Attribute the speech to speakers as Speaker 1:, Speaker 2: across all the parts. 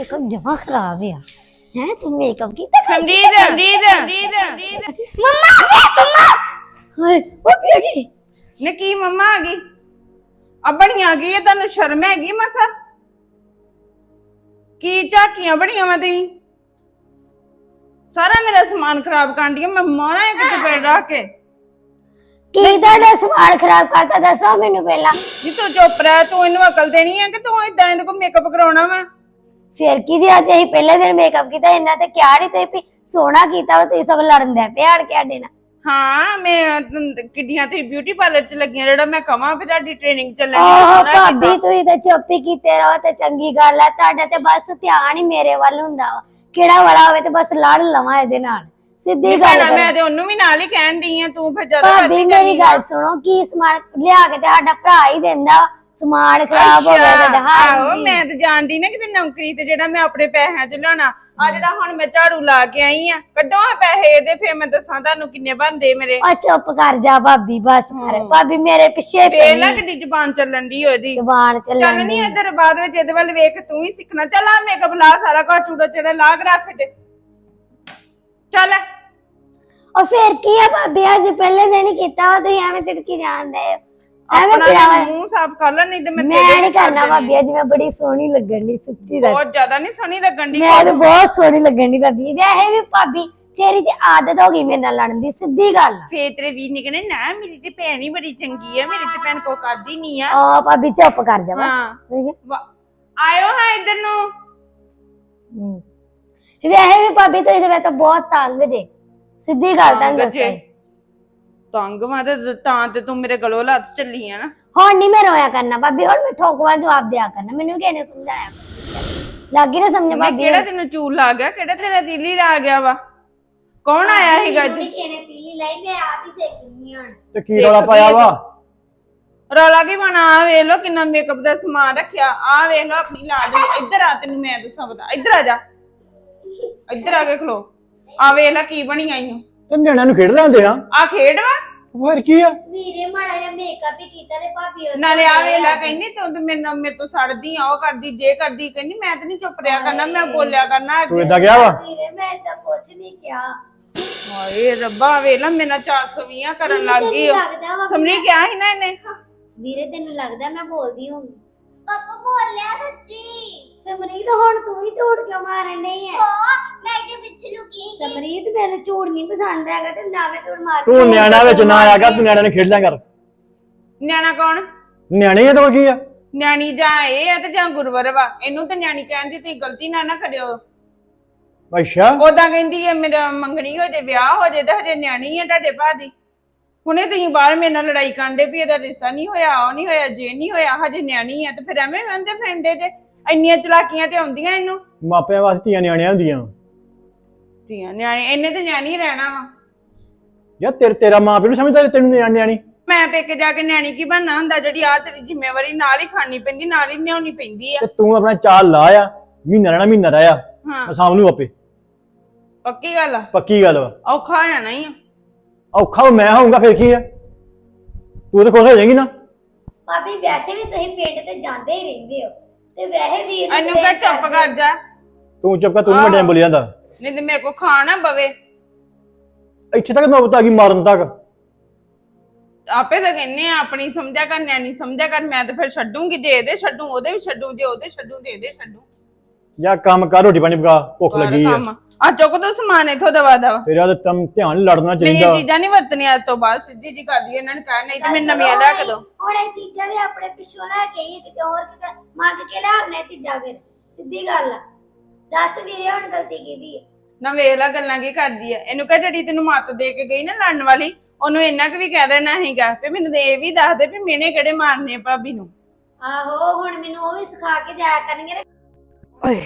Speaker 1: Makeup जमा खराब है हैं तुम मेकअप की तो
Speaker 2: समरीत समरीत
Speaker 1: मम्मा मम्मा हाय वो बेटी
Speaker 2: ने की मम्मा आ गई अब बड़ी आ गई है तन्नू शर्म हैगी मसा की झाकियां बड़ियां मैं तुई सारा मेरा सामान खराब कर दिया मैं मारा एक चपेड़ रख के
Speaker 1: की दा सामान खराब करता दसो मेनू पहला
Speaker 2: जी तू चुप रह तू इन्नू अकल देनी है कि तू इदां इहदे को मेकअप कराउणा वा
Speaker 1: फिर की जी आज यही पहले दिन मेकअप किया इन्ना ते क्या नहीं ते सोना कीता ते सब लड़न दे पे आड़ के आडे ना
Speaker 2: हाँ मैं किड्डियां ते ब्यूटी पार्लर च लगियां जेड़ा मैं कहां भी ਤੁਹਾਡੀ ट्रेनिंग ਚੱਲਣੀ
Speaker 1: ओह भाभी तू ते चुप ही कीते रहो ते चंगी गल है ਤੁਹਾਡਾ ਤੇ ਬਸ ਧਿਆਨ ਹੀ ਮੇਰੇ ਵੱਲ ਹੁੰਦਾ ਵਾ ਕਿਹੜਾ ਬੜਾ ਹੋਵੇ ਤੇ ਬਸ ਲੜ ਲਵਾਂ ਇਹਦੇ ਨਾਲ ਸਿੱਧੀ ਗੱਲ
Speaker 2: ਮੈਂ ਤੇ ਉਹਨੂੰ ਵੀ ਨਾਲ ਹੀ ਕਹਿਣ ਡਈ ਆ ਤੂੰ ਫਿਰ ਜ਼ਿਆਦਾ
Speaker 1: ਭਾਬੀ ਮੇਰੀ ਗੱਲ ਸੁਣੋ ਕੀ ਸਮਾਨ ਲਿਆ ਕੇ ਤੇ ਸਾਡਾ ਭਰਾ ਹੀ ਦਿੰਦਾ ਸਮਾਨ ਖਰਾਬ ਹੋ ਗਿਆ ਤੁਹਾਡਾ
Speaker 2: ਆਹੋ ਮੈਂ ਤੇ ਜਾਣਦੀ ਨਾ ਕਿਤੇ ਨੌਕਰੀ ਤੇ ਜਿਹੜਾ ਮੈਂ ਆਪਣੇ ਪੈਸਿਆਂ ਚ ਲਿਆਉਣਾ ਆ ਜਿਹੜਾ ਹੁਣ ਮੈਂ ਝਾੜੂ ਲਾ ਕੇ ਆਈ ਆ ਕੱਢੋ ਆ ਪੈਸੇ ਇਹਦੇ ਫੇਰ ਮੈਂ ਦੱਸਾਂ ਤੁਹਾਨੂੰ ਕਿੰਨੇ ਬਣਦੇ ਮੇਰੇ
Speaker 1: ਆ ਚੁੱਪ ਕਰ ਜਾ ਭਾਬੀ ਬਸ ਕਰ ਭਾਬੀ ਮੇਰੇ ਪਿੱਛੇ
Speaker 2: ਵੇਖ ਲੈ ਕਿੱਡੀ ਜ਼ੁਬਾਨ ਚੱਲਣ ਦੀ ਉਹਦੀ
Speaker 1: ਜ਼ੁਬਾਨ ਚੱਲਣ
Speaker 2: ਚੱਲ ਨਹੀਂ ਇੱਧਰ ਬਾਅਦ ਵਿੱਚ ਇਹਦੇ ਵੱਲ ਵੇਖ ਤੂੰ ਹੀ ਸਿੱਖਣਾ ਚੱਲ ਆ ਮੇਕਅਪ ਲਾ ਸਾਰਾ ਕੁਝ ਚੂੜਾ ਚੜਾ ਲਾ ਕੇ ਰੱਖ ਦੇ ਚੱਲ
Speaker 1: और फिर की है भाभी आज पहले दिन किया तो एवं चिड़की जानदे
Speaker 2: अपना मुंह साफ कर ले नहीं तो मैं
Speaker 1: नहीं करना भाभी आज मैं बड़ी सोहनी लगन दी सच्ची
Speaker 2: बहुत ज्यादा नहीं सोहनी लगन दी
Speaker 1: मैं तो बहुत सोहनी लगन दी भाभी वैसे भी भाभी तेरी ते आदत हो गई मेरे नाल लड़न दी सीधी गल
Speaker 2: ਫੇਰ ਤੇਰੇ ਵੀਰ ਨੇ कहने ना मेरी ते भैन ही बड़ी चंगी है मेरी ते भैन को करदी नहीं है
Speaker 1: आ भाभी चुप कर जा बस
Speaker 2: आयो हां इधर नु
Speaker 1: वैसे भी भाभी तो इधर तो बहुत तंग जे सीधी गल
Speaker 2: तंग मैं ते तू मेरे गलों लत चली है ना
Speaker 1: हुण नहीं मैं रोया करना भाभी हुण मैं ठोकवा जवाब दिया करना मैनू किहने समझाया लागी ना समझ भाभी
Speaker 2: केड़ा तेनू चूल ला गया केड़ा तेरा दिली ला गया वा कौन आया हैगा जी
Speaker 1: किहने पीली लाई मैं आप ही सीख लूंगी हुण
Speaker 3: ਤੇ ਕੀ ਰੌਲਾ ਪਾਇਆ ਵਾ
Speaker 2: रौला की बना आ वेख लो किन्ना मेकअप दा सामान रखया आ वेख लो अपनी लाडली इधर आ तेनू मैं दसां बता इधर आ जा इधर आके खलो आ वेख ला की बनी आई
Speaker 3: ਤੇ ਨਿਆਣਿਆਂ ਨੂੰ ਖੇਡ ਲੈਂਦੇ ਆ
Speaker 2: आ खेड वा
Speaker 3: ਹੋਰ ਕੀ ਆ
Speaker 1: ਵੀਰੇ ਮਾੜਾ ਜਿਹਾ ਮੇਕਅਪ ਹੀ ਕੀਤਾ ਤੇ ਭਾਬੀ ਉਹ
Speaker 2: ਨਾਲੇ ਆ ਵੇਲਾ ਕਹਿੰਦੀ ਤੂੰ ਤੇ ਮੇਰੇ ਤੋਂ ਸੜਦੀ ਆ ਉਹ ਕਰਦੀ ਜੇ ਕਰਦੀ ਕਹਿੰਦੀ ਮੈਂ ਤੇ ਨਹੀਂ ਚੁੱਪ ਰਿਹਾ ਕਰਨਾ ਮੈਂ ਬੋਲਿਆ ਕਰਨਾ
Speaker 3: ਤੂੰ ਇਦਾਂ ਗਿਆ ਵਾ
Speaker 1: ਵੀਰੇ ਮੈਂ ਤਾਂ ਕੁਝ ਨਹੀਂ ਕਿਹਾ
Speaker 2: ਹਾਏ ਰੱਬਾ ਵੇਲਾ ਮੇਰਾ 420 ਕਰਨ ਲੱਗ ਗਈ ਸਮਰੀ ਕਿਹਾ ਸੀ ਨਾ ਇਹਨੇ
Speaker 1: ਵੀਰੇ ਤੈਨੂੰ ਲੱਗਦਾ ਮੈਂ ਬੋਲਦੀ ਹੋਊਂਗੀ ਪਾਪਾ ਬੋਲਿਆ ਸੱਚੀ ਸਮਰੀਤ ਹੁਣ ਤੂੰ ਹੀ ਝੂਠ ਕਿਉਂ ਮਾਰਨ ਡਈ ਹੈ ਮੈਂ ਜੇ ਪਿੱਛੇ ਲੁਕੀ ਸਮਰੀਤ ਮੈਨੂੰ ਝੂਠ ਨਹੀਂ ਪਸੰਦ ਹੈਗਾ ਤੇ ਨਾ ਮੈਂ ਝੂਠ ਮਾਰ
Speaker 3: ਤੂੰ ਨਿਆਣਾ ਵਿੱਚ ਨਾ ਆਇਆ ਕਰ ਤੂੰ ਨਿਆਣਿਆਂ ਨੂੰ ਖੇਡ ਲਿਆ ਕਰ
Speaker 2: ਨਿਆਣਾ ਕੌਣ
Speaker 3: ਨਿਆਣੇ ਆ ਤਾਂ ਹੋਰ ਕੀ ਆ
Speaker 2: ਨਿਆਣੀ ਜਾਂ ਇਹ ਆ ਤੇ ਜਾਂ ਗੁਰਵਰ ਵਾ ਇਹਨੂੰ ਤੇ ਨਿਆਣੀ ਕਹਿੰਦੀ ਤੁਸੀਂ ਗਲਤੀ ਨਾ ਕਰਿਓ
Speaker 3: ਅੱਛਾ
Speaker 2: ਉਦਾਂ ਕਹਿੰਦੀ ਹੈ ਮੇਰਾ ਮੰਗਣੀ ਹੋ ਜੇ ਵਿਆਹ ਹੋ ਜੇ ਤੇ ਹਜੇ ਨਿਆਣੀ ਹੈ ਤੁਹਾਡੇ ਭਾ ਦੀ ਹੁਣੇ ਤੁਸੀਂ ਬਾਹਰ ਮੇਰੇ ਨਾਲ ਲੜਾਈ ਕਰਦੇ ਵੀ ਇਹਦਾ ਰਿਸ਼ਤਾ ਨਹੀਂ ਹੋਇਆ ਉਹ ਨਹੀਂ ਹੋਇਆ ਜੇ ਨਹੀਂ ਹੋਇਆ ਹਜੇ ਨਿਆਣੀ ਹੈ ਤੇ ਫਿਰ ਐਵੇਂ ਵੰਦੇ ਫਿਰਦੇ ਤੇ ਇੰਨੀਆਂ ਚਲਾਕੀਆਂ ਤੇ ਆਉਂਦੀਆਂ ਇਹਨੂੰ
Speaker 3: ਮਾਪਿਆਂ ਵਾਸਤੇ ਧੀਆਂ ਨਿਆਣੀਆਂ ਹੁੰਦੀਆਂ
Speaker 2: ਧੀਆਂ ਨਿਆਣੀ ਇਹਨੇ ਤੇ ਨਿਆਣੀ ਰਹਿਣਾ ਵਾ
Speaker 3: ਯਾਰ ਤੇਰਾ ਮਾਂ ਪਿਓ ਨੂੰ ਸਮਝਦਾ ਤੈਨੂੰ ਨਿਆਣੀ
Speaker 2: ਮੈਂ ਪੇਕੇ ਜਾ ਕੇ ਨਿਆਣੀ ਕੀ ਬਣਨਾ ਹੁੰਦਾ ਜਿਹੜੀ ਆ ਤੇਰੀ ਜ਼ਿੰਮੇਵਾਰੀ ਨਾਲ ਹੀ ਖਾਣੀ ਪੈਂਦੀ ਨਾਲ ਹੀ ਨਿਆਉਣੀ ਪੈਂਦੀ ਆ
Speaker 3: ਤੇ ਤੂੰ ਆਪਣਾ ਚਾਲ ਲਾ ਆ ਮਹੀਨਾ ਰਹਿਣਾ ਮਹੀਨਾ ਰਹਿਆ
Speaker 2: ਹਾਂ
Speaker 3: ਸਾਂਭ ਨੂੰ ਆਪੇ
Speaker 2: ਪੱਕੀ ਗੱਲ ਆ
Speaker 3: ਪੱਕੀ ਗੱਲ ਵਾ
Speaker 2: ਔਖਾ ਹੋ ਜਾਣਾ ਹੀ ਆ
Speaker 3: ਔਖਾ ਮੈਂ ਹੋਊਂਗਾ ਫਿਰ ਕੀ ਆ ਤੂੰ ਤਾਂ ਖੁਸ਼ ਹੋ ਜਾਏਂਗੀ ਨਾ
Speaker 1: ਭਾਬੀ ਵੈਸੇ ਵੀ ਤੁਸੀਂ ਪਿੰਡ ਤੇ ਜਾਂਦੇ ਹੀ ਰਹਿੰਦੇ ਹੋ ਤੇ ਵੈਸੇ ਵੀਰ
Speaker 2: ਇਹਨੂੰ ਕਹ ਚੁੱਪ ਕਰ ਜਾ
Speaker 3: ਤੂੰ ਚੁੱਪ ਕਰ ਤੂੰ ਨੀ ਵੱਡਿਆਂ ਬੋਲੀ ਜਾਂਦਾ
Speaker 2: ਨਹੀਂ ਤੇ ਮੇਰੇ ਕੋ ਖਾਣਾ ਬਵੇ
Speaker 3: ਇੱਥੇ ਤੱਕ ਨੌਬਤ ਆ ਗਈ ਮਾਰਨ ਤੱਕ
Speaker 2: ਆਪੇ ਤਾਂ ਕਹਿੰਨੇ ਆ ਆਪਣੀ ਸਮਝਿਆ ਕਰ ਨਿਆਣੀ ਸਮਝਿਆ ਕਰ ਮੈਂ ਤਾਂ ਫਿਰ ਛੱਡੂਗੀ ਜੇ ਇਹਦੇ ਛੱਡੂ ਉਹਦੇ ਵੀ ਛੱਡੂ ਜੇ ਉਹਦੇ ਛੱਡੂ ਤੇ ਇਹਦੇ ਛੱਡੂ
Speaker 3: ਜਾਂ ਕੰਮ ਕਰ ਰੋਟੀ ਪਾਣੀ ਪਕਾ ਭੁੱਖ ਲੱਗੀ ਆ
Speaker 2: ਆ ਚੁੱਕ ਦੋ ਸਮਾਨ ਇਥੋਂ ਦਵਾ
Speaker 3: ਤੇਰਾ ਤਾਂ ਤਮ ਧਿਆਨ ਲੜਨਾ
Speaker 2: ਮੇਰੀ
Speaker 3: ਚਾਹੀਦਾ
Speaker 2: ਚੀਜ਼ਾਂ ਨਹੀਂ ਵਰਤਣੀਆਂ ਅੱਜ ਤੋਂ ਬਾਅਦ ਸਿੱਧੀ ਜੀ ਕਰਦੀ ਇਹਨਾਂ ਨੇ ਕਹਿ ਨਹੀਂ ਤੇ ਮੈਂ ਨਵੀਆਂ ਲਿਆ ਕੇ ਦੋ
Speaker 1: ਹੁਣ ਇਹ ਚੀਜ਼ਾਂ ਵੀ ਆਪਣੇ ਪਿੱਛੋਂ ਲੈ ਕੇ ਆਈਏ ਕਿਤੇ ਹੋਰ ਕਿਤੇ ਮੰਗ ਕੇ ਲਿਆਉਣੇ ਚੀਜ਼ਾਂ ਫਿਰ ਸਿੱਧੀ ਗੱਲ ਆ ਦੱਸ ਵੀਰੇ ਹੁਣ ਗਲਤੀ ਕੀਤੀ ਹੈ
Speaker 2: ਨਾ ਵੇਖ ਲੈ ਗੱਲਾਂ ਕੀ ਕਰਦੀ ਆ ਇਹਨੂੰ ਕਹ ਜਿਹੜੀ ਤੈਨੂੰ ਮੱਤ ਦੇ ਕੇ ਗਈ ਨਾ ਲੜਨ ਵਾਲੀ ਉਹਨੂੰ ਇੰਨਾ ਕੁ ਵੀ ਕਹਿ ਦੇਣਾ ਹੈਗਾ ਵੀ ਮੈਨੂੰ ਇਹ ਵੀ ਦੱਸ ਦੇ ਵੀ ਮੈਨੇ ਕਿਹੜੇ ਮਾਰਨੇ ਭਾਬੀ ਨੂੰ
Speaker 1: ਆਹੋ ਹੁਣ ਮੈਨੂੰ ਉਹ ਵੀ ਸਿਖਾ ਕੇ ਜਾਇਆ ਕਰਨਗੇ
Speaker 4: ਓਏ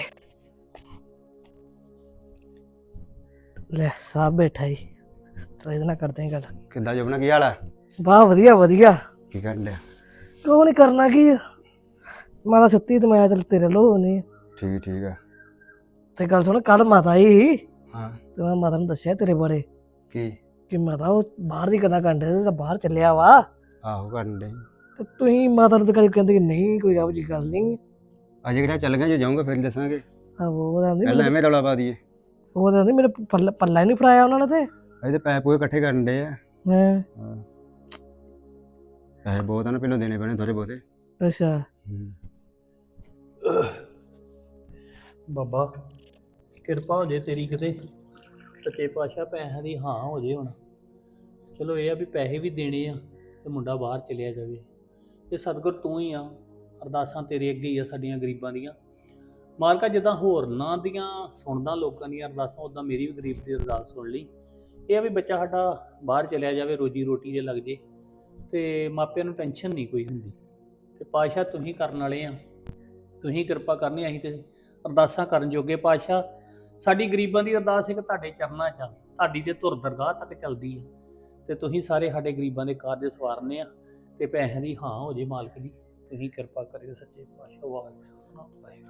Speaker 4: ਲੈ ਸਾਹ ਬੈਠਾ ਹੀ ਤਾਂ ਇਹਦੇ ਨਾਲ ਕਰਦੇ ਆਂ ਗੱਲ
Speaker 5: ਕਿੱਦਾਂ ਜੁਬਨਾ ਕੀ ਹਾਲ ਹੈ
Speaker 4: ਵਾਹ ਵਧੀਆ ਵਧੀਆ
Speaker 5: ਕੀ ਕਰਨ ਡਿਆ
Speaker 4: ਉਹ ਨਹੀਂ ਕਰਨਾ ਕੀ ਮੈਂ ਤਾਂ ਸੁੱਤੀ ਤੇ ਮੈਂ ਚੱਲ ਤੇਰੇ ਲੋ ਨਹੀਂ
Speaker 5: ਠੀਕ ਆ
Speaker 4: ਤੇ ਗੱਲ ਸੁਣ ਕੱਲ ਮਾਤਾ ਆਈ
Speaker 5: ਹਾਂ
Speaker 4: ਤੇ ਮੈਂ ਮਾਤਾ ਨੂੰ ਦੱਸਿਆ ਤੇਰੇ ਬਾਰੇ
Speaker 5: ਕੀ
Speaker 4: ਕਿ ਮਾਤਾ ਉਹ ਬਾਹਰ ਦੀ ਗੱਲਾਂ ਕਰਦੇ ਤੇ ਬਾਹਰ ਚੱਲਿਆ ਵਾ
Speaker 5: ਆਹੋ ਕਰਨ ਡੇ
Speaker 4: ਤੇ ਤੁਸੀਂ ਮਾਤਾ ਨੂੰ ਤਾਂ ਕਦੇ ਕਹਿੰਦੇ ਕਿ ਨਹੀਂ ਕੋਈ ਇਹੋ ਜਿਹੀ ਗੱਲ ਨਹੀਂ
Speaker 5: ਅਜੇ ਕਿਹੜਾ ਚੱਲ ਗਿਆ ਜੇ ਜਾਊਂਗਾ ਫਿਰ ਦੱਸਾਂਗੇ
Speaker 4: ਉਹ ਕਹਿੰਦੀ
Speaker 5: ਪਹਿਲਾਂ ਐਵੇਂ ਰੌਲਾ ਪਾ ਦਈਏ।
Speaker 4: ਉਹ ਕਹਿੰਦੀ ਮੇਰੇ ਪੱਲਾ ਹੀ ਨਹੀਂ ਫੜਾਇਆ ਉਹਨਾਂ ਨੇ ਤੇ
Speaker 5: ਅਸੀਂ ਤੇ ਪੈਸੇ ਪੂਰੇ ਇਕੱਠੇ ਕਰਨ ਡੇ ਆ।
Speaker 4: ਹਾਂ
Speaker 5: ਪੈਸੇ ਬਹੁਤ ਆ ਨਾ, ਪਹਿਲਾਂ ਦੇਣੇ ਪੈਣੇ ਥੋੜੇ ਬਹੁਤੇ।
Speaker 4: ਅੱਛਾ
Speaker 6: ਬਾਬਾ ਕਿਰਪਾ ਹੋ ਜੇ ਤੇਰੀ ਕਿਤੇ ਸੱਚੇ ਪਾਤਸ਼ਾਹ ਪੈਸਿਆਂ ਦੀ ਹਾਂ ਹੋ ਜੇ ਹੁਣ। ਚਲੋ ਇਹ ਆ ਵੀ ਪੈਸੇ ਵੀ ਦੇਣੇ ਆ ਤੇ ਮੁੰਡਾ ਬਾਹਰ ਚਲਿਆ ਜਾਵੇ। ਇਹ ਸਤਿਗੁਰ ਤੂੰ ਹੀ ਆ, ਅਰਦਾਸਾਂ ਤੇਰੇ ਅੱਗੇ ਹੀ ਆ ਸਾਡੀਆਂ ਗਰੀਬਾਂ ਦੀਆਂ। ਮਾਲਕਾ ਜਿੱਦਾਂ ਹੋਰਨਾਂ ਦੀਆਂ ਸੁਣਦਾ ਲੋਕਾਂ ਦੀਆਂ ਅਰਦਾਸਾਂ, ਉੱਦਾਂ ਮੇਰੀ ਵੀ ਗਰੀਬ ਦੀ ਅਰਦਾਸ ਸੁਣ ਲਈ। ਇਹ ਆ ਵੀ ਬੱਚਾ ਸਾਡਾ ਬਾਹਰ ਚਲਿਆ ਜਾਵੇ, ਰੋਜੀ ਰੋਟੀ ਜੇ ਲੱਗ ਜੇ ਤੇ ਮਾਪਿਆਂ ਨੂੰ ਟੈਨਸ਼ਨ ਨਹੀਂ ਕੋਈ ਹੁੰਦੀ। ਤੇ ਪਾਤਸ਼ਾਹ ਤੁਸੀਂ ਕਰਨ ਵਾਲੇ ਆ, ਤੁਸੀਂ ਕਿਰਪਾ ਕਰਨੀ। ਅਸੀਂ ਤੇ ਅਰਦਾਸਾਂ ਕਰਨ ਜੋਗੇ। ਪਾਤਸ਼ਾਹ ਸਾਡੀ ਗਰੀਬਾਂ ਦੀ ਅਰਦਾਸ ਇੱਕ ਤੁਹਾਡੇ ਚਰਨਾਂ 'ਚ ਆ, ਤੁਹਾਡੀ ਤੇ ਧੁਰ ਦਰਗਾਹ ਤੱਕ ਚੱਲਦੀ ਹੈ ਤੇ ਤੁਸੀਂ ਸਾਰੇ ਸਾਡੇ ਗਰੀਬਾਂ ਦੇ ਕਾਰਜ ਸਵਾਰਨੇ ਆ ਤੇ ਪੈਸਿਆਂ ਦੀ ਹਾਂ ਹੋ ਜੇ ਮਾਲਕ ਜੀ। ਤੁਸੀਂ ਕਿਰਪਾ ਕਰਿਓ ਸੱਚੇ ਪਾਤਸ਼ਾਹ। ਵਾਹਿਗੁਰੂ।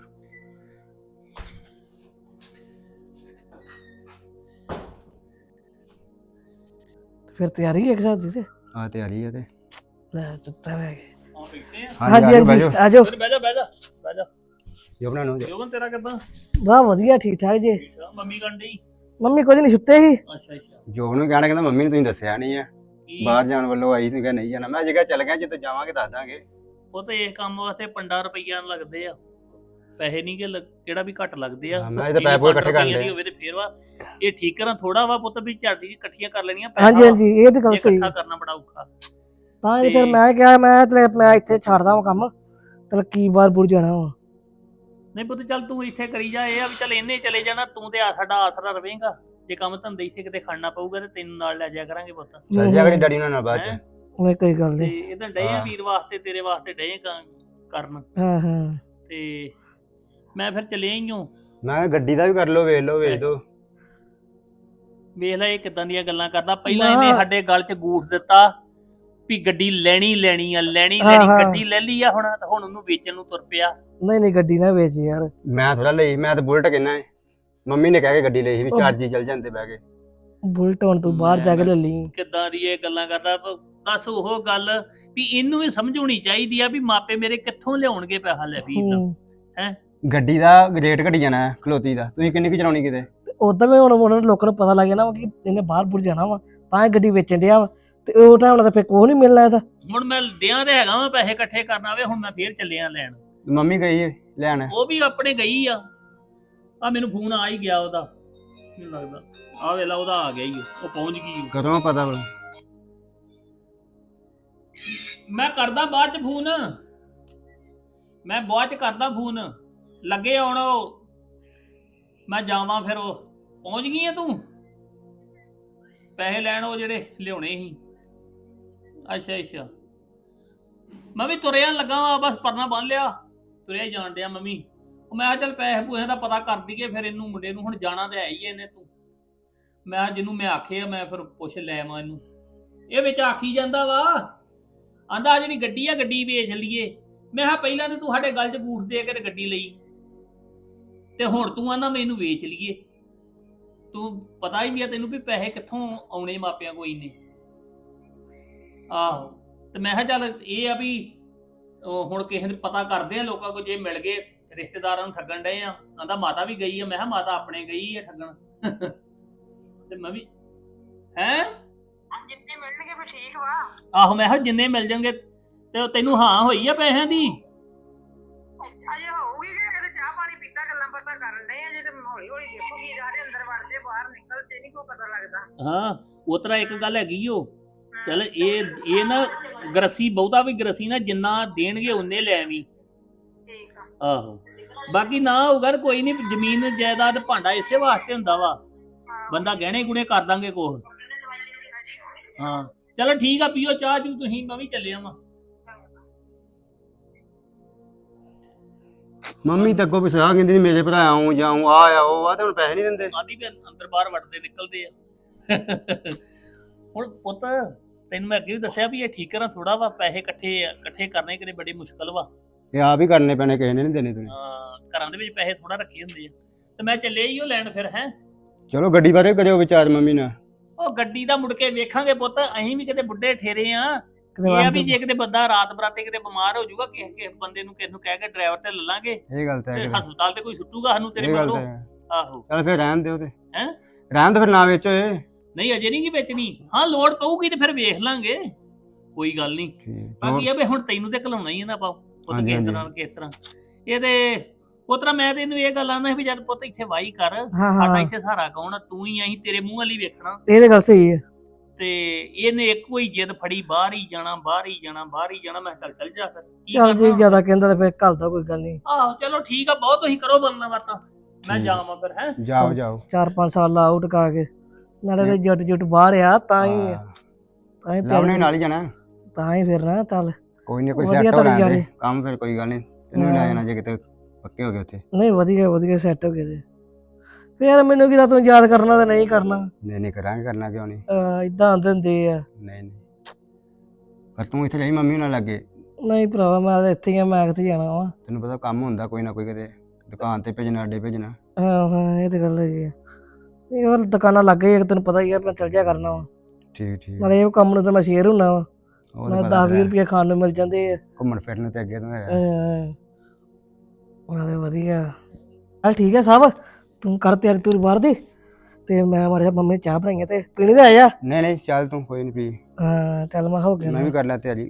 Speaker 4: ਫਿਰ ਤਿਆਰੀ ਇੱਕ ਸਾਥ ਦੀ ਤੇ
Speaker 5: ਆ ਤਿਆਰੀ ਆ ਤੇ
Speaker 4: ਲੈ ਚੁੱਤਾ ਬੈ ਗਏ।
Speaker 6: ਹਾਂ ਬੈਠੇ ਆ।
Speaker 5: ਹਾਂਜੀ
Speaker 4: ਹਾਂਜੀ
Speaker 5: ਬਹਿ ਜਾਓ।
Speaker 4: ਆਜੋ
Speaker 6: ਫਿਰ ਬਹਿ ਜਾ ਬਹਿ ਜਾ ਬਹਿ ਜਾ।
Speaker 5: ਜੋ ਬਣਾ ਲਓ।
Speaker 6: ਜੋਬਨ ਤੇਰਾ ਕਿੱਦਾਂ?
Speaker 4: ਵਾਹ ਵਧੀਆ ਠੀਕ ਠਾਕ ਜੀ।
Speaker 6: ਠੀਕ ਆ। ਮੰਮੀ ਕੰਡੀ?
Speaker 4: ਮੰਮੀ ਕੁਝ ਨਹੀਂ ਸੁੱਤੇ ਸੀ।
Speaker 6: ਅੱਛਾ ਅੱਛਾ।
Speaker 5: ਜੋਬ ਨੂੰ ਕਹਿਣਾ, ਕਹਿੰਦਾ ਮੰਮੀ ਨੂੰ ਤੁਸੀਂ ਦੱਸਿਆ ਨਹੀਂ ਆ,
Speaker 6: ਕੀ?
Speaker 5: ਬਾਹਰ ਜਾਣ ਵੱਲੋਂ ਆਈ ਸੀ, ਕਹਿੰਦਾ ਨਹੀਂ ਜਾਣਾ। ਮੈਂ ਜਗ੍ਹਾ ਚੱਲ ਗਿਆ, ਜਦੋਂ ਜਾਵਾਂਗੇ ਦੱਸ ਦਾਂਗੇ।
Speaker 6: ਉਹ ਤੇ ਇਸ ਕੰਮ ਵਾਸਤੇ 15 ਰੁਪਈਆ ਲੱਗਦੇ ਆ, ਪੈਸੇ ਨਹੀਂ ਕਿ ਕਿਹੜਾ ਵੀ ਘੱਟ ਲੱਗਦੇ ਆ।
Speaker 5: ਹਾਂ, ਮੈਂ ਤਾਂ ਪੈਸੇ ਪੂਰੇ ਇਕੱਠੇ ਕਰਨ
Speaker 6: ਦੀ
Speaker 5: ਡਿਆ।
Speaker 6: ਹੋਵੇ ਤੇ ਫੇਰ ਵਾ ਇਹ ਠੀਕ ਕਰਾਂ ਥੋੜਾ ਵਾ ਪੁੱਤ ਵੀ ਝਾੜੀ ਇਕੱਠੀਆਂ ਕਰ ਲੈਣੀਆਂ।
Speaker 4: ਹਾਂਜੀ ਹਾਂਜੀ ਇਹ ਤਾਂ ਗੱਲ
Speaker 6: ਇਹ
Speaker 4: ਸਹੀ।
Speaker 6: ਇਕੱਠਾ ਕਰਨਾ ਬੜਾ ਔਖਾ।
Speaker 4: ਤਾਂ ਹੀ ਫਿਰ ਮੈਂ ਕਿਹਾ ਮੈਂ ਇੱਥੇ ਛੱਡਦਾ ਹਾਂ ਕੰਮ, ਚਲ ਕੀ ਬਾਹਰ ਬੁਰ ਜਾਣਾ ਵਾ।
Speaker 6: ਨਹੀਂ ਪੁੱਤ ਚੱਲ ਤੂੰ ਇੱਥੇ ਕਰੀ ਜਾ। ਇਹ ਆ ਵੀ ਚੱਲ ਇਹਨੇ ਚਲੇ ਜਾਣਾ, ਤੂੰ ਤੇ ਸਾਡਾ ਆਸਰਾ ਰਵੇਂਗਾ। ਜੇ ਕੰਮ ਧੰਦੇ ਇੱਥੇ ਕਿਤੇ ਖੜਨਾ ਪਊਗਾ ਤੇ ਤੈਨੂੰ ਨਾਲ ਲੈ ਜਾਇਆ ਕਰਾਂਗੇ ਪੁੱਤ।
Speaker 5: ਚੱਲ ਜਾ ਕੇ ਡੈਡੀ ਨਾਲ ਬਾਅਦ ਚ।
Speaker 6: ਹੈਂ?
Speaker 4: ਉਹ ਕੋਈ ਗੱਲ
Speaker 6: ਤੇ
Speaker 4: ਨਹੀਂ।
Speaker 6: ਇਹ ਤਾਂ ਡਏ ਆ ਵੀਰ ਵਾਸਤੇ, ਤੇਰੇ ਵਾਸਤੇ ਡਏ ਕਰਨ।
Speaker 4: ਹਾਂ ਹਾਂ
Speaker 6: ਤੇ ਮੈਂ ਫਿਰ ਚੱਲਿਆ ਹੀ ਹਾਂ।
Speaker 5: ਮੈਂ ਕਿਹਾ ਗੱਡੀ ਦਾ ਵੀ ਕਰ ਲਓ, ਵੇਚ ਲਓ, ਵੇਚ ਦੋ।
Speaker 6: ਵੇਖ ਲੈ ਇਹ ਕਿਦਾਂ ਦੀਆਂ ਗੱਲਾਂ ਕਰਦਾ। ਪਹਿਲਾਂ ਇਹਨੇ ਸਾਡੇ ਗਲ 'ਚ ਗੂਠ ਦਿੱਤਾ ਵੀ ਗੱਡੀ ਲੈਣੀ ਆ, ਲੈਣੀ ਗੱਡੀ ਲੈ ਲਈ ਆ ਹੁਣ ਉਹਨੂੰ ਵੇਚਣ ਨੂੰ ਤੁਰ ਪਿਆ।
Speaker 4: ਨਹੀਂ ਗੱਡੀ ਨਾ ਵੇਚ ਯਾਰ।
Speaker 5: ਮੈਂ ਥੋੜਾ ਲਈ, ਮੈਂ ਤਾਂ ਬੁਲਟ ਕਹਿੰਦਾ ਹੈ। ਮੰਮੀ ਨੇ ਕਹਿ ਕੇ ਗੱਡੀ ਲਈ ਸੀ ਵੀ ਚਾਰ ਜੀ ਚੱਲ ਜਾਂਦੇ ਬਹਿ ਕੇ।
Speaker 4: ਬੁਲਟ ਹੁਣ ਤੂੰ ਬਾਹਰ ਜਾ ਕੇ ਲੈ ਲਈ।
Speaker 6: ਕਿੱਦਾਂ ਦੀ ਇਹ ਗੱਲਾਂ ਕਰਦਾ। ਦੱਸ ਉਹ ਗੱਲ ਵੀ ਇਹਨੂੰ ਵੀ ਸਮਝਾਉਣੀ ਚਾਹੀਦੀ ਆ ਵੀ ਮਾਪੇ ਮੇਰੇ ਕਿੱਥੋਂ ਲਿਆਉਣਗੇ ਪੈਸਾ ਲੈ ਵੀ ਹੈ।
Speaker 5: ਗੱਡੀ ਦਾ ਰੇਟ ਘਟੀ ਜਾਣਾ ਖਲੋਤੀ ਦਾ, ਤੁਸੀਂ ਕਿੰਨੀ ਕੁ ਚਲਾਉਣੀ ਕਿਤੇ।
Speaker 4: ਉਦਾਂ ਵੀ ਹੁਣ ਲੋਕਾਂ ਨੂੰ ਪਤਾ ਲੱਗ ਜਾਣਾ ਵਾ ਕਿ ਇਹਨੇ ਬਾਹਰ ਬੁਰ ਜਾਣਾ ਵਾ, ਤਾਂ ਇਹ ਗੱਡੀ ਵੇਚਣ ਡਿਆ ਵਾ ਤੇ ਉਹ ਟਾਈਮ ਨਾਲ ਫਿਰ ਕੋਹ ਨਹੀਂ ਮਿਲਣਾ ਇਹਦਾ।
Speaker 6: ਹੁਣ ਮੈਂ ਦਿਆਂ ਤੇ ਹੈਗਾ ਵਾ ਪੈਸੇ ਇਕੱਠੇ ਕਰਨਾ ਵੇ। ਹੁਣ ਮੈਂ ਫੇਰ ਚੱਲਿਆ ਲੈਣ।
Speaker 5: ਮੰਮੀ ਗਈ ਹੈ ਲੈਣ।
Speaker 6: ਉਹ ਵੀ ਆਪਣੇ ਗਈ ਆ ਮੈਨੂੰ ਫੋਨ ਆ ਹੀ ਗਿਆ ਉਹਦਾ, ਮੈਨੂੰ ਲੱਗਦਾ ਆ ਵੇਲਾ ਉਹਦਾ ਆ ਗਿਆ ਹੀ ਉਹ ਪਹੁੰਚ ਗਈ।
Speaker 5: ਕਰੋ ਪਤਾ ਵਾ।
Speaker 6: ਮੈਂ ਕਰਦਾ ਬਾਅਦ ਚ ਫੋਨ, ਮੈਂ ਬਾਅਦ ਚ ਕਰਦਾ ਫੋਨ। ਲੱਗੇ ਆਉਣ ਉਹ, ਮੈਂ ਜਾਵਾਂ ਫਿਰ। ਉਹ ਪਹੁੰਚ ਗਈ ਆ ਤੂੰ ਪੈਸੇ ਲੈਣ ਉਹ ਜਿਹੜੇ ਲਿਆਉਣੇ ਸੀ? ਅੱਛਾ ਮੈਂ ਵੀ ਤੁਰਿਆ ਲੱਗਾ ਵਾ, ਬਸ ਪਰਨਾ ਬੰਨ ਲਿਆ, ਤੁਰਿਆ ਹੀ ਜਾਣ ਡਿਆ। ਮੰਮੀ ਉਹ ਮੈਂ ਚੱਲ ਪੈਸੇ ਪੂਸੇ ਦਾ ਪਤਾ ਕਰ ਦਈਏ ਫਿਰ ਇਹਨੂੰ ਮੁੰਡੇ ਨੂੰ। ਹੁਣ ਜਾਣਾ ਤੇ ਹੈ ਹੀ ਇਹਨੇ। ਤੂੰ ਮੈਂ ਜਿਹਨੂੰ ਮੈਂ ਆਖੇ ਆ ਮੈਂ ਫਿਰ ਪੁੱਛ ਲੈ ਮੈਂ ਇਹਨੂੰ। ਇਹ ਵਿੱਚ ਆਖੀ ਜਾਂਦਾ ਵਾ, ਆਂਦਾ ਆ ਜਿਹੜੀ ਗੱਡੀ ਆ ਗੱਡੀ ਵੇਚ ਲਈਏ। ਮੈਂ ਕਿਹਾ ਪਹਿਲਾਂ ਤੇ ਤੂੰ ਸਾਡੇ ਗੱਲ 'ਚ ਬੂਠ ਦੇ ਕੇ ਤੇ ਗੱਡੀ ਲਈ ਤੇ ਹੁਣ ਤੂੰ ਆਂਦਾ ਮੈਨੂੰ ਵੇਚ ਲਈਏ। ਤੂੰ ਪਤਾ ਹੀ ਵੀ ਆ ਤੈਨੂੰ ਵੀ ਪੈਸੇ ਕਿੱਥੋਂ ਆਉਣੇ ਮਾਪਿਆਂ ਕੋਈ ਨੇ। ਆਹੋ ਤੇ ਮੈਂ ਕਿਹਾ ਚੱਲ ਇਹ ਆ ਵੀ ਹੁਣ ਕਿਸੇ ਨੂੰ ਪਤਾ ਕਰਦੇ ਆ ਲੋਕਾਂ ਕੋਲ, ਜੇ ਮਿਲ ਗਏ ਰਿਸ਼ਤੇਦਾਰਾਂ ਨੂੰ ਠੱਗਣ ਡਏ ਆ। ਆਂਦਾ ਮਾਤਾ ਵੀ ਗਈ ਆ। ਮੈਂ ਕਿਹਾ ਮਾਤਾ ਆਪਣੇ ਗਈ ਆ ਠੱਗਣ ਤੇ ਮੈਂ ਵੀ ਹੈਂ
Speaker 7: ਜਿੰਨੇ ਮਿਲਣਗੇ ਫਿਰ ਠੀਕ ਵਾ।
Speaker 6: ਆਹੋ ਮੈਂ ਕਿਹਾ ਜਿੰਨੇ ਮਿਲ ਜਾਣਗੇ। ਤੇ ਤੈਨੂੰ ਹਾਂ ਹੋਈ ਆ ਪੈਸਿਆਂ ਦੀ?
Speaker 7: ਅਜੇ ਹੋਊਗੀ ਕਿ ਇਹਦੇ ਚਾਹ ਪਾਣੀ ਪੀਤਾ ਗੱਲਾਂ ਬਾਤਾਂ ਕਰਨ ਡਏ ਆ। ਜੇ ਤੇ ਹੌਲੀ ਹੌਲੀ ਦੇਖੋ ਕੀ ਸਾਰੇ ਅੰਦਰ ਵੜਦੇ ਬਾਹਰ ਨਿਕਲਦੇ ਨਹੀਂ ਕੋਈ ਪਤਾ ਲੱਗਦਾ।
Speaker 6: ਹਾਂ ਉਹ ਤਰ੍ਹਾਂ ਇੱਕ ਗੱਲ ਹੈਗੀ ਓ। ਚੱਲ ਇਹ ਨਾ ਗਰਸੀ ਬਹੁਤਾ ਵੀ ਗਰਸੀ ਨਾ, ਜਿੰਨਾ ਦੇਣਗੇ ਉਨੇ ਲੈ ਆਵੀਂ।
Speaker 7: ਠੀਕ ਆ।
Speaker 6: ਆਹੋ ਬਾਕੀ ਨਾ ਹੋਊਗਾ ਕੋਈ ਨਹੀਂ। ਜ਼ਮੀਨ ਜਾਇਦਾਦ ਭਾਂਡਾ ਇਸੇ ਵਾਸਤੇ ਹੁੰਦਾ ਵਾ, ਬੰਦਾ ਗਹਿਣੇ ਗੁਣੇ ਕਰ ਦਾਂਗੇ ਕੁਛ। ਹਾਂ ਚਲੋ ਠੀਕ ਆ, ਪੀਓ ਚਾਹ ਚੂ ਤੁਸੀਂ, ਮੈਂ ਵੀ ਚੱਲਿਆ ਵਾਂ।
Speaker 5: ਮੰਮੀ ਤਾਂ ਅੱਗੋਂ ਪਿਛਾ ਕਹਿੰਦੀ ਸੀ ਮੇਰੇ ਭਰਾ ਆਉਂ ਜਾਉਂ ਆ ਉਹ ਆ, ਤੇ ਹੁਣ ਪੈਸੇ ਨਹੀਂ ਦਿੰਦੇ।
Speaker 6: ਆਦੀ ਵੀ ਅੰਦਰ ਬਾਹਰ ਵੜਦੇ ਨਿਕਲਦੇ ਆ। ਹੁਣ ਪੁੱਤ ਤੈਨੂੰ ਮੈਂ ਅੱਗੇ ਵੀ ਦੱਸਿਆ ਵੀ ਇਹ ਠੀਕ ਕਰਾਂ ਥੋੜਾ ਵਾ, ਪੈਸੇ ਇਕੱਠੇ ਕਰਨੇ ਕਿਤੇ ਬੜੀ ਮੁਸ਼ਕਲ ਵਾ।
Speaker 5: ਇਹ ਆਪ ਹੀ ਕਰਨੇ ਪੈਣੇ, ਕਿਸੇ ਨੇ ਨਹੀਂ ਦੇਣੇ ਤੁਸੀਂ।
Speaker 6: ਘਰਾਂ ਦੇ ਵਿੱਚ ਪੈਸੇ ਥੋੜਾ ਰੱਖੇ ਹੁੰਦੇ ਆ। ਤੇ ਮੈਂ ਚੱਲਿਆ ਹੀ ਉਹ ਲੈਣ ਫਿਰ। ਹੈ
Speaker 5: ਚਲੋ ਗੱਡੀ ਬਾਰੇ ਕਰਿਓ ਵਿਚਾਰ ਮੰਮੀ ਨਾਲ।
Speaker 6: ਉਹ ਗੱਡੀ ਦਾ ਮੁੜ ਕੇ ਵੇਖਾਂਗੇ ਪੁੱਤ। ਅਸੀਂ ਵੀ ਕਿਤੇ ਬੁੱਢੇ ਠੇਰੇ ਆ,
Speaker 4: ਕਿਤੇ
Speaker 6: ਇਹ ਆ ਵੀ
Speaker 4: ਬੰਦ-
Speaker 6: ਜੇ ਕਿਤੇ ਬੰਦਾ ਰਾਤ ਬਰਾਤੇ ਕਿਤੇ ਬਿਮਾਰ ਹੋ ਜਾਊਗਾ ਕਿਸੇ ਬੰਦੇ ਨੂੰ ਕਿਸੇ ਨੂੰ ਕਹਿ ਕੇ ਡਰਾਈਵਰ ਤੇ ਲੈ ਲਾਂਗੇ
Speaker 5: ਇਹ ਗੱਲ ਤਾਂ ਹੈ
Speaker 6: ਤੇ
Speaker 5: ਕਿਤੇ।
Speaker 6: ਹਸਪਤਾਲ ਤੇ ਕੋਈ ਸੁੱਟੂਗਾ ਸਾਨੂੰ ਤੇਰੇ
Speaker 5: ਇਹ ਗੱਲ
Speaker 6: ਮਗਰੋਂ।
Speaker 5: ਤਾਂ ਹੈ।
Speaker 6: ਆਹੋ
Speaker 5: ਚੱਲ ਫਿਰ ਰਹਿਣ ਦਿਓ ਤੇ
Speaker 6: ਹੈਂ?
Speaker 5: ਰਹਿਣ ਦੋ ਫਿਰ ਨਾ ਵੇਚੋ ਇਹ।
Speaker 6: ਨਹੀਂ ਅਜੇ ਨਹੀਂ ਕੀ ਵੇਚਣੀ, ਹਾਂ ਲੋੜ ਪਊਗੀ ਤੇ ਫਿਰ ਵੇਖ ਲਾਂਗੇ, ਕੋਈ ਗੱਲ ਨਹੀਂ। ਬਾਕੀ ਇਹ ਵੀ ਹੁਣ ਤੈਨੂੰ ਤੇ ਘਲਾਉਣਾ ਹੀ ਹੈ ਨਾ ਆਪਾਂ ਪੁੱਤ
Speaker 5: ਹਾਂਜੀ,
Speaker 6: ਕਿਸ
Speaker 5: ਹਾਂਜੀ।
Speaker 6: ਤਰ੍ਹਾਂ ਕਿਸ ਤਰ੍ਹਾਂ ਇਹ ਤੇ ਪੁੱਤਰਾ ਮੈਂ ਤੈਨੂੰ ਇਹ ਗੱਲ ਆਂਦਾ ਵੀ ਜਦ ਪੁੱਤ ਇੱਥੇ ਵਾਹੀ ਕਰ,
Speaker 4: ਹਾਂ।
Speaker 6: ਸਾਡਾ ਇੱਥੇ ਸਹਾਰਾ ਕੌਣ ਆ, ਤੂੰ ਹੀ ਅਸੀਂ ਤੇਰੇ ਮੂੰਹ ਵਾਲੀ ਵੇਖਣਾ।
Speaker 4: ਇਹ ਤੇ ਗੱਲ ਸਹੀ ਹੈ।
Speaker 6: ਤੇ ਇਹਨੇ ਇੱਕੋ ਹੀ ਜਿੱਦ ਫੜੀ ਬਾਹਰ ਹੀ ਜਾਣਾ ਬਾਹਰ ਹੀ ਜਾਣਾ ਬਾਹਰ ਹੀ ਜਾਣਾ। ਮੈਂ ਕਿਹਾ ਚੱਲ ਜਾ ਫਿਰ ਕੀ
Speaker 4: ਚੱਲ ਜੇ
Speaker 6: ਕਰਨਾ।
Speaker 4: ਜ਼ਿਆਦਾ ਕਹਿੰਦਾ ਤੇ ਫਿਰ ਘੱਲ ਦਾ ਕੋਈ ਗੱਲ ਨਹੀਂ।
Speaker 6: ਆਹੋ ਚਲੋ ਠੀਕ ਆ, ਬਹੁਤ ਤੁਸੀਂ ਕਰੋ ਬੰਨਾ ਬਾਤਾਂ, ਮੈਂ
Speaker 5: ਠੀਕ।
Speaker 6: ਜਾਵਾਂ ਫਿਰ ਹੈ।
Speaker 5: ਜਾਓ ਜਾਓ
Speaker 4: 4-5 ਸਾਲ ਲਾ ਆਊਟ ਕਾ ਕੇ ਨਾਲੇ ਤੇ ਜੱਟ ਜੁੱਟ ਬਾਹਰ ਆ ਤਾਂ ਹੀ
Speaker 5: ਹਾਂ।
Speaker 4: ਤਾਂ ਹੀ
Speaker 5: ਲਾਉਣੇ ਵੀ ਨਾਲ ਹੀ ਜਾਣਾ।
Speaker 4: ਤਾਂ ਹੀ ਫਿਰਨਾ ਚੱਲ।
Speaker 5: ਕੋਈ ਨਹੀਂ ਕੋਈ
Speaker 4: ਵਧੀਆ
Speaker 5: ਸੈੱਟ ਹੋ
Speaker 4: ਤਾਂ
Speaker 5: ਲੈਂਦੇ
Speaker 4: ਜਾਣੇ।
Speaker 5: ਕੰਮ, ਫਿਰ ਕੋਈ ਗੱਲ ਨਹੀਂ ਤੈਨੂੰ ਵੀ ਲੈ ਜਾਣਾ ਜੇ ਕਿਤੇ ਪੱਕੇ ਹੋ ਗਏ ਉੱਥੇ।
Speaker 4: ਨਹੀਂ ਵਧੀਆ ਸੈੱਟ ਹੋ ਗਏ ਤੇ ਫਿਰ ਮੈਨੂੰ ਕਿਦਾ ਤੂੰ ਯਾਦ ਕਰਨਾ ਤੇ ਨਹੀਂ ਕਰਨਾ,
Speaker 5: ਨਹੀਂ ਨਹੀਂ ਕਰਾਂਗੇ, ਕਰਨਾ ਕਿਉਂ ਨਹੀਂ।
Speaker 4: ਇਦਾਂ ਆਂਦੇ ਹੁੰਦੇ ਆ।
Speaker 5: ਨਹੀਂ ਨਹੀਂ ਪਰ ਤੂੰ ਇੱਥੇ ਰਹੀ ਮੰਮੀ ਨਾਲ ਲੱਗੇ।
Speaker 4: ਨਹੀਂ ਭਰਾਵਾ ਮੈਂ ਤਾਂ ਇੱਥੇ ਹੀ ਆ, ਮੈਂ ਕਿੱਥੇ ਜਾਣਾ ਵਾ।
Speaker 5: ਤੈਨੂੰ ਪਤਾ ਕੰਮ ਹੁੰਦਾ ਕੋਈ ਨਾ ਕੋਈ, ਕਿਤੇ ਦੁਕਾਨ ਤੇ ਭੇਜਣਾ, ਅੱਡੇ ਭੇਜਣਾ।
Speaker 4: ਹਾਂ ਇਹ ਤੇ ਗੱਲ ਹੈਗੀ ਆ। ਇਹ ਵਾਰ ਦੁਕਾਨਾਂ ਲੱਗ ਗਈ ਤੈਨੂੰ ਪਤਾ ਹੀ ਆ, ਮੈਂ ਚੱਲ ਜਾ ਕਰਨਾ ਵਾ।
Speaker 5: ਠੀਕ ਠੀਕ।
Speaker 4: ਨਾਲੇ ਇਹ ਕੰਮ ਨੂੰ ਤਾਂ ਮੈਂ ਸ਼ੇਅਰ ਹੁੰਨਾ ਵਾ,
Speaker 5: ਉਹ
Speaker 4: ਨਾਲੇ
Speaker 5: ਤਾਂ ਪਤਾ
Speaker 4: 10-20 ਰੁਪਏ ਖਾਣ ਨੂੰ ਮਿਲ ਜਾਂਦੇ ਆ।
Speaker 5: ਘੁੰਮਣ ਫਿਰਨ ਨੂੰ ਤੇ ਅੱਗੇ ਤੋਂ ਹੈਗਾ।
Speaker 4: ਨਾਲੇ ਵਧੀਆ। ਚੱਲ ਠੀਕ ਹੈ ਸਭ, ਤੂੰ ਕਰ ਤਿਆਰੀ ਤੂੰ ਬਾਹਰ ਦੀ ਤੇ ਮੈਂ ਮਾਰਿਆ ਮੰਮੀ ਨੇ ਚਾਹ ਬਣਾਈਆਂ ਤੇ ਪੀਣੀ ਤੇ ਆਇਆ।
Speaker 5: ਨਹੀਂ ਨਹੀਂ ਚੱਲ ਤੂੰ ਕੋਈ ਨਹੀਂ ਪੀ,
Speaker 4: ਹਾਂ ਚੱਲ ਮੈਂ ਹੋ ਗਿਆ
Speaker 5: ਮੈਂ ਵੀ ਕਰ ਲਿਆ ਤਿਆਰੀ।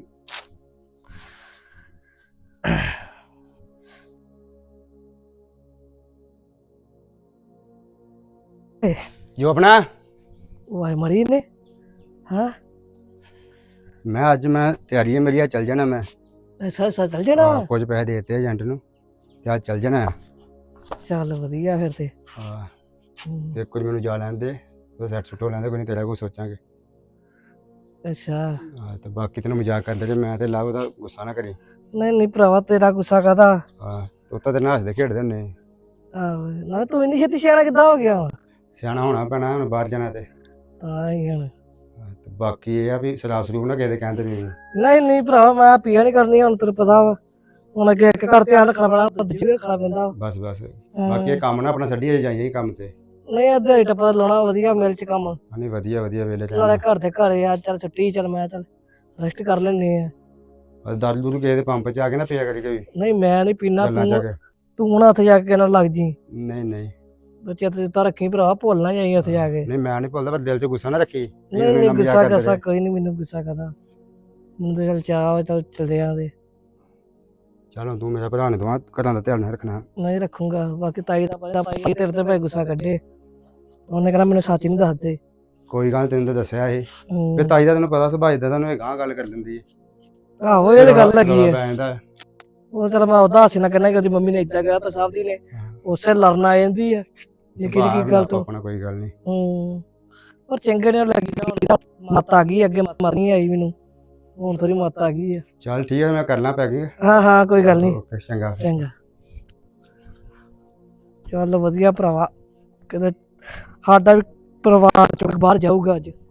Speaker 5: ਜੋ ਆਪਣਾ
Speaker 4: ਵਾਹ ਮਰੀ ਨੇ। ਹਾਂ
Speaker 5: ਮੈਂ ਅੱਜ ਮੈਂ ਤਿਆਰੀ ਹੈ ਮੇਰੀ, ਆ ਚੱਲ ਜਾਣਾ ਮੈਂ।
Speaker 4: ਅੱਛਾ ਚੱਲ ਜਾਣਾ।
Speaker 5: ਕੁਝ ਪੈਸੇ ਦੇ ਦਿੱਤੇ ਏਜੰਟ ਨੂੰ ਤੇ ਅੱਜ ਚੱਲ ਜਾਣਾ।
Speaker 4: ਚੱਲ ਵਧੀਆ ਫਿਰ ਤੇ।
Speaker 5: ਹਾਂ
Speaker 4: ਹਮ,
Speaker 5: ਤੇ ਕੁਝ ਮੈਨੂੰ ਜਾ ਲੈਣ ਦੇ, ਉਹ ਸੈੱਟ ਸੁੱਟ ਹੋ ਲੈਂਦੇ, ਕੋਈ ਨਹੀਂ ਤੇਰਾ ਕੁਝ ਸੋਚਾਂਗੇ।
Speaker 4: ਅੱਛਾ
Speaker 5: ਹਾਂ ਤੇ ਬਾਕੀ ਤੈਨੂੰ ਮਜ਼ਾਕ ਕਰਦੇ ਜੇ ਮੈਂ ਤੇ ਲਾਉ, ਉਹਦਾ ਗੁੱਸਾ ਨਾ ਕਰੀ।
Speaker 4: ਨਹੀਂ ਭਰਾਵਾ ਤੇਰਾ ਗੁੱਸਾ ਕਾਹਦਾ।
Speaker 5: ਹਾਂ ਤੂੰ ਤਾਂ ਤੇਰੇ ਨਾਲ ਹੱਸਦੇ ਖੇਡਦੇ ਹੁੰਦੇ।
Speaker 4: ਆਹੋ ਨਾ ਤੂੰ ਇੰਨੀ ਛੇਤੀ ਸਿਆਣਾ ਕਿੱਦਾਂ ਹੋ ਗਿਆ ਵਾ?
Speaker 5: ਸਿਆਣਾ ਹੋਣਾ ਪੈਣਾ ਹੁਣ, ਬਾਹਰ ਜਾਣਾ ਤੇ।
Speaker 4: ਤਾਂ ਹੀ ਹੁਣ।
Speaker 5: ਹਾਂ, ਤੇ ਬਾਕੀ ਇਹ ਆ ਵੀ ਸ਼ਰਾਬ ਸਰੂਬ ਨਾ ਕਿਸੇ ਦੇ ਕਹਿੰਦੇ ਵੀ।
Speaker 4: ਨਹੀਂ ਭਰਾਵਾ ਮੈਂ ਪੀਆ ਨਹੀਂ ਕਰਨੀ, ਹੁਣ ਤੈਨੂੰ ਪਤਾ ਵਾ ਹੁਣ ਅੱਗੇ ਇੱਕ ਘਰ ਧਿਆਨ ਰੱਖਣਾ ਪੈਣਾ, ਦੂਜੇ ਵੀ ਰੱਖਣਾ ਪੈਂਦਾ।
Speaker 5: ਬਸ ਬਾਕੀ ਇਹ ਕੰਮ ਨਾ ਆਪਣਾ ਛੱਡੀਏ, ਜਾਈਏ ਕੰਮ ਤੇ।
Speaker 4: ਨਹੀਂ ਅੱਧੇ ਟੱਪਾ ਲਾਉਣਾ ਵਧੀਆ ਮਿਲ ਚ ਕੰਮ।
Speaker 5: ਨਹੀਂ ਵਧੀਆ ਵੇਲੇ
Speaker 4: ਨਾਲੇ ਘਰ ਦੇ ਘਰੇ ਆ, ਚੱਲ ਛੁੱਟੀ ਚੱਲ ਮੈਂ ਚੱਲ ਰੈਸਟ ਕਰ ਲੈਣੀ ਆ।
Speaker 5: ਦਾਰੂ ਦੂਰੂ ਕਿਸੇ ਦੇ ਪੰਪ 'ਚ ਆ ਕੇ ਨਾ ਪਿਆ ਕਰੀ ਕੋਈ
Speaker 4: ਨਹੀਂ ਮੈਂ ਨਹੀਂ ਪੀਣਾ,
Speaker 5: ਗੱਲਾਂ 'ਚ ਆ ਕੇ।
Speaker 4: ਤੂੰ ਹੁਣ ਉੱਥੇ ਜਾ ਕੇ ਨਾ ਲੱਗ ਜੀ।
Speaker 5: ਨਹੀਂ
Speaker 4: ਬੱਚੇ ਤੇ ਤਾਂ ਰੱਖੀ ਭਰਾ, ਭੁੱਲ ਨਾ ਜਾਈ ਉੱਥੇ ਜਾ ਕੇ।
Speaker 5: ਨਹੀਂ ਮੈਂ ਨਹੀਂ ਭੁੱਲਦਾ, ਪਰ ਦਿਲ 'ਚ ਗੁੱਸਾ ਨਾ ਰੱਖੀ।
Speaker 4: ਨਹੀਂ ਗੁੱਸਾ ਕੋਈ ਨਹੀਂ, ਮੈਨੂੰ ਗੁੱਸਾ ਕਰਦਾ ਮੈਨੂੰ ਤਾਂ ਚੱਲ ਚਾਹ ਚੱਲ ਚਲਦੇ ਆਂਦੇ।
Speaker 5: ਚਲੋ ਤੂੰ ਮੇਰਾ ਭਰਾ ਨੇ ਦਵਾ ਘਰਾਂ ਦਾ ਧਿਆਨ ਰੱਖਣਾ।
Speaker 4: ਨਹੀਂ ਰੱਖੂੰਗਾ। ਬਾਕੀ ਤਾਈ ਦਾ ਭਾਈ ਤੇਰੇ ਤੇ ਭਾਈ ਗੁੱਸਾ ਕੱਢੇ, ਉਹਨੇ ਕਹਿਣਾ ਮੈਨੂੰ ਸੱਚ ਨਹੀਂ ਦੱਸਦੇ।
Speaker 5: ਕੋਈ ਗੱਲ ਤੈਨੂੰ ਤਾਂ ਦੱਸਿਆ ਇਹ ਵੀ ਤਾਈ ਦਾ ਤੈਨੂੰ ਪਤਾ ਸੁਭਾਅ ਦਾ, ਤੁਹਾਨੂੰ ਇਹ ਗਾਂ ਗੱਲ ਕਰ ਦਿੰਦੀ ਹੈ।
Speaker 4: ਆਹੋ ਇਹ ਤਾਂ ਗੱਲ ਲੱਗੀ ਹੈ।
Speaker 5: ਪੈ ਜਾਂਦਾ।
Speaker 4: ਉਹ ਚਲ ਮੈਂ ਉਹਦਾ ਹਾਸੀ ਨਾ ਕਹਿਣਾ ਕਿ ਉਹਦੀ ਮੰਮੀ ਨੇ ਏਦਾਂ ਕਿਹਾ ਤਾਂ ਸਾਹਿਬ ਦੀ ਨੇ ਉਸੇ ਲੜਨ ਆ ਜਾਂਦੀ ਹੈ ਨਿੱਕੀ ਨਿੱਕੀ ਗੱਲ ਤੋਂ।
Speaker 5: ਆਪਣਾ ਕੋਈ ਗੱਲ ਨਹੀਂ।
Speaker 4: ਪਰ ਚੰਗੇ ਨੇ ਲੱਗੀ ਨਾ, ਮੱਤ ਆ ਗਈ ਅੱਗੇ, ਮੱਤ ਨਹੀਂ ਆਈ ਮੈਨੂੰ, ਹੁਣ ਥੋੜੀ ਮੱਤ ਆ ਗਈ ਹੈ।
Speaker 5: ਚੱਲ ਠੀਕ ਹੈ, ਮੈਂ ਕਰਨਾ ਪੈ ਗਈ।
Speaker 4: ਹਾਂ ਕੋਈ ਗੱਲ ਨਹੀਂ।
Speaker 5: ਓਕੇ ਚੰਗਾ।
Speaker 4: ਚੱਲ ਵਧੀਆ ਭਰਾਵਾ, ਕਿਤੇ ਸਾਡਾ ਵੀ ਪਰਿਵਾਰ ਚੋਂ ਬਾਹਰ ਜਾਊਗਾ ਅੱਜ।